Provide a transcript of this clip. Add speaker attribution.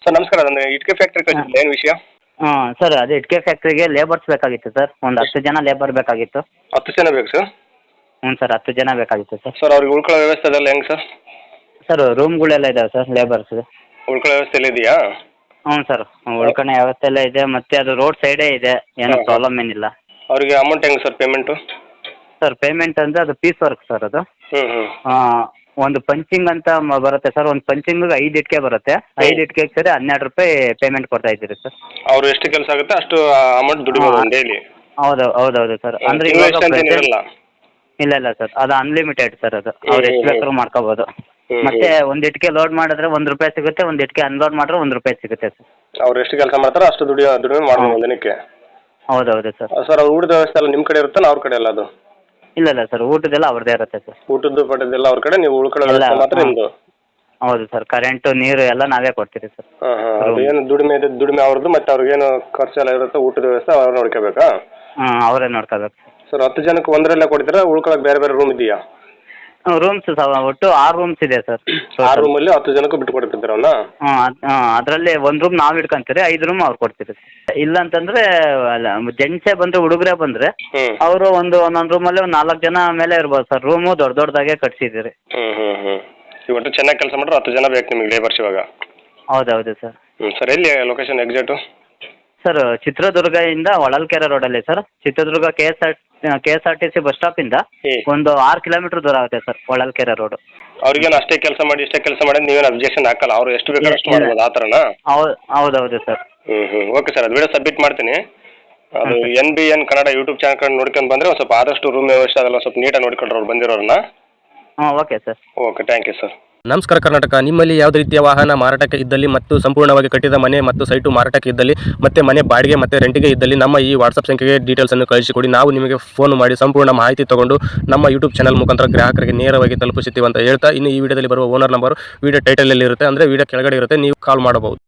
Speaker 1: Sir ನಮಸ್ಕಾರ, ಅದೊಂದು ಇಟ್ಕೆ factory ಕಳಿಸಿದ್ದೆ, ಏನು ವಿಷಯ?
Speaker 2: ಹಾಂ ಸರ್, ಅದೇ ಇಟ್ಕೆ ಫ್ಯಾಕ್ಟ್ರಿಗೆ ಲೇಬರ್ಸ್ ಬೇಕಾಗಿತ್ತು ಸರ್. ಒಂದು 10 ಜನ ಲೇಬರ್ ಬೇಕಾಗಿತ್ತು.
Speaker 1: 10 ಜನ ಬೇಕು ಸರ್?
Speaker 2: ಹ್ಞೂ ಸರ್, 10 ಜನ ಬೇಕಾಗಿತ್ತು ಸರ್.
Speaker 1: ಸರ್ ಅವ್ರಿಗೆ ಉಳ್ಕೊಳ್ಳೋ ವ್ಯವಸ್ಥೆ ಅದೆಲ್ಲ ಹೆಂಗೆ ಸರ್?
Speaker 2: ಸರ್ ರೂಮ್ಗಳೆಲ್ಲ ಇದಾವೆ ಸರ್ ಲೇಬರ್ಸ್ಗೆ.
Speaker 1: ಉಳ್ಕೊಳ್ಳೋ ವ್ಯವಸ್ಥೆ ಎಲ್ಲ ಇದೆಯಾ?
Speaker 2: ಹ್ಞೂ ಸರ್, ಉಳ್ಕೊಳೋ ವ್ಯವಸ್ಥೆ ಎಲ್ಲ ಇದೆ. ಮತ್ತು ಅದು ರೋಡ್ ಸೈಡೇ ಇದೆ, ಏನು ಪ್ರಾಬ್ಲಮ್ ಏನಿಲ್ಲ.
Speaker 1: ಅವರಿಗೆ ಅಮೌಂಟ್ ಹೆಂಗೆ ಸರ್ ಪೇಮೆಂಟು?
Speaker 2: ಸರ್ ಪೇಮೆಂಟ್ ಅಂದರೆ ಅದು ಪೀಸ್ ವರ್ಕ್ ಸರ್ ಅದು.
Speaker 1: ಹ್ಞೂ
Speaker 2: ಒಂದು ಪಂಚಿಂಗ್ ಅಂತ ಬರುತ್ತೆ ಸರ್. ಒಂದು ಪಂಚಿಂಗಿಗೆ 5 ಇಟ್ಕೆ ಬರುತ್ತೆ. 5 ಇಟ್ಕೆಗೆ ಸರಿ 12 ರೂಪಾಯಿ ಪೇಮೆಂಟ್ ಕೊಡ್ತಾ ಇದ್ದೀರಿ ಸರ್.
Speaker 1: ಅವರು ಎಷ್ಟು ಕೆಲಸ ಆಗುತ್ತೆ ಅಷ್ಟು ಅಮೌಂಟ್ ದುಡಿಬೋದು ಡೈಲಿ?
Speaker 2: ಹೌದೌದು ಸರ್. ಅಂದರೆ ಇಲ್ಲ ಸರ್, ಅದು ಅನ್ಲಿಮಿಟೆಡ್ ಸರ್. ಅದು ಅವ್ರು ಎಷ್ಟು ಬೇಕಾದ್ರೂ ಮಾಡ್ಕೋಬೋದು. ಮತ್ತೆ ಒಂದು ಇಟ್ಕೆ ಲೋಡ್ ಮಾಡಿದ್ರೆ 1 ರೂಪಾಯಿ ಸಿಗುತ್ತೆ, ಒಂದು ಇಟ್ಕೆ ಅನ್ಲೋಡ್ ಮಾಡಿದ್ರೆ 1 ರೂಪಾಯಿ ಸಿಗುತ್ತೆ ಸರ್.
Speaker 1: ಅವ್ರು ಎಷ್ಟು ಕೆಲಸ ಮಾಡ್ತಾರೋ ಅಷ್ಟು ದುಡಿಮೆ ಮಾಡ್ಬೋದು ಒಂದು ದಿನಕ್ಕೆ?
Speaker 2: ಹೌದೌದು ಸರ್.
Speaker 1: ಸರ್ ಅವ್ರ ಊಟದ ವ್ಯವಸ್ಥೆ ಎಲ್ಲ ನಿಮ್ಮ ಕಡೆ ಇರುತ್ತಾ ಅವ್ರ ಕಡೆ ಎಲ್ಲ? ಅದು
Speaker 2: ಇಲ್ಲ ಸರ್, ಊಟದೆಲ್ಲ ಅವ್ರದ್ದೇ ಇರುತ್ತೆ ಸರ್.
Speaker 1: ಊಟದ್ದು ಪಟ್ಟದ್ದೆಲ್ಲ ಅವ್ರ ಕಡೆ, ನೀವು ಉಳ್ಕೊಳ್ಳೋ ವ್ಯವಸ್ಥೆ ಮಾತ್ರ ನಿಮ್ಮದು?
Speaker 2: ಹೌದು ಸರ್, ಕರೆಂಟು ನೀರು ಎಲ್ಲ ನಾವೇ ಕೊಡ್ತೀವಿ ಸರ್.
Speaker 1: ಅದು ಏನು ದುಡಿಮೆ ಇದೆ ದುಡಿಮೆ ಅವ್ರದ್ದು, ಮತ್ತೆ ಅವ್ರಿಗೇನು ಖರ್ಚೆಲ್ಲ ಇರುತ್ತೆ ಊಟದ ವ್ಯವಸ್ಥೆ ಅವ್ರು ನೋಡ್ಕೋಬೇಕಾ?
Speaker 2: ಅವರೇ ನೋಡ್ಕೋಬೇಕು
Speaker 1: ಸರ್. 10 ಜನಕ್ಕೆ ಒಂದರಲ್ಲೇ ಕೊಡ್ತೀರಾ, ಉಳ್ಕೊಳ್ಳೋಕೆ ಬೇರೆ ಬೇರೆ ರೂಮ್ ಇದೆಯಾ?
Speaker 2: ರೂಮ್ಸ್ ಒಟ್ಟು 6 ರೂಮ್ಸ್ ಇದೆ ಸರ್.
Speaker 1: 6 ರೂಮಲ್ಲಿ 10 ಜನಕ್ಕೂ ಬಿಟ್ಟು ಕೊಡ್ತಿದ್ದೀರ ಅವನ್ನ?
Speaker 2: ಅದರಲ್ಲಿ 1 ರೂಮ್ ನಾವು ಇಟ್ಕೊಂತೀರಿ, 5 ರೂಮ್ ಅವ್ರು ಕೊಡ್ತೀರಿ. ಇಲ್ಲ ಅಂತಂದರೆ ಜೆಂಟ್ಸೇ ಬಂದರೆ, ಹುಡುಗರೇ ಬಂದರೆ ಅವರು ಒಂದೊಂದು ರೂಮಲ್ಲಿ ಒಂದು 4 ಜನ ಮೇಲೆ ಇರ್ಬೋದು ಸರ್. ರೂಮು ದೊಡ್ಡದಾಗೆ ಕಟ್ಸಿದ್ದೀರಿ.
Speaker 1: ಇವತ್ತು ಚೆನ್ನಾಗಿ ಕೆಲಸ ಮಾಡಿದ್ರೆ 10 ಜನ ಬೇಕು ನಿಮಗೆ ಲೇಬರ್ಸ್ ಇವಾಗ?
Speaker 2: ಹೌದು ಸರ್.
Speaker 1: ಸರ್ ಎಲ್ಲಿ ಲೊಕೇಶನ್ ಎಕ್ಸಾಕ್ಟು?
Speaker 2: ಸರ್ ಚಿತ್ರದುರ್ಗದಿಂದ ಹೊಳಲ್ಕೆರೆ ರೋಡಲ್ಲಿ ಸರ್. ಚಿತ್ರದುರ್ಗ KSRTC ಬಸ್ ಸ್ಟಾಪಿಂದ ಒಂದು 6 ಕಿಲೋಮೀಟರ್ ದೂರ ಆಗುತ್ತೆ ಸರ್ ಹೊಳಲ್ಕೆರೆ ರೋಡು.
Speaker 1: ಅವ್ರಿಗೇನು ಅಷ್ಟೇ ಕೆಲಸ ಮಾಡಿ ಇಷ್ಟೇ ಕೆಲಸ ಮಾಡಿ ನೀವೇನು ಅಬ್ಜೆಕ್ಷನ್ ಹಾಕಲ್ಲ? ಅವರು ಎಷ್ಟು ಬೇಕಾದ್ರೆ ಅಷ್ಟು ಮಾಡ್ಬೋದು, ಆ ಥರನಾ?
Speaker 2: ಹೌದು ಸರ್.
Speaker 1: ಓಕೆ ಸರ್, ಅದು ವಿಡಿಯೋ ಸಬ್ಮಿಟ್ ಮಾಡ್ತೀನಿ. ಅದು NBN ಕನ್ನಡ ಯೂಟ್ಯೂಬ್ ಚಾನಲ್ ನೋಡ್ಕೊಂಡು ಬಂದರೆ ಒಂದು ಸ್ವಲ್ಪ ಆದಷ್ಟು ರೂಮ್ ವ್ಯವಸ್ಥೆ ಅದೆಲ್ಲ ಸ್ವಲ್ಪ ನೀಟಾಗಿ ನೋಡ್ಕೊಂಡ್ರೆ ಅವ್ರು ಬಂದಿರೋರನ್ನ.
Speaker 2: Okay sir.
Speaker 1: Okay, thank you sir.
Speaker 3: ನಮಸ್ಕಾರ ಕರ್ನಾಟಕ. ನಿಮ್ಮಲ್ಲಿ ಯಾವುದೇ ರೀತಿಯ ವಾಹನ ಮಾರಾಟಕ್ಕೆ ಇದ್ದಲ್ಲಿ ಮತ್ತು ಸಂಪೂರ್ಣವಾಗಿ ಕಟ್ಟಿದ ಮನೆ ಮತ್ತು ಸೈಟು ಮಾರಾಟಕ್ಕೆ ಇದ್ದಲ್ಲಿ ಮತ್ತೆ ಮನೆ ಬಾಡಿಗೆ ಮತ್ತು ರೆಂಟಿಗೆ ಇದ್ದಲ್ಲಿ ನಮ್ಮ ಈ ವಾಟ್ಸಪ್ ಸಂಖ್ಯೆಗೆ ಡೀಟೇಲ್ಸನ್ನು ಕಳಿಸಿಕೊಡಿ. ನಾವು ನಿಮಗೆ ಫೋನ್ ಮಾಡಿ ಸಂಪೂರ್ಣ ಮಾಹಿತಿ ತಗೊಂಡು ನಮ್ಮ ಯೂಟ್ಯೂಬ್ ಚಾನಲ್ ಮುಖಾಂತರ ಗ್ರಾಹಕರಿಗೆ ನೇರವಾಗಿ ತಲುಪಿಸುತ್ತೀವಿ ಅಂತ ಹೇಳ್ತಾ, ಇನ್ನು ಈ ವಿಡಿಯೋದಲ್ಲಿ ಬರುವ ಓನರ್ ನಂಬರ್ ವಿಡಿಯೋ ಟೈಟಲಲ್ಲಿ ಇರುತ್ತೆ, ಅಂದರೆ ವಿಡಿಯೋ ಕೆಳಗಡೆ ಇರುತ್ತೆ, ನೀವು ಕಾಲ್ ಮಾಡಬಹುದು.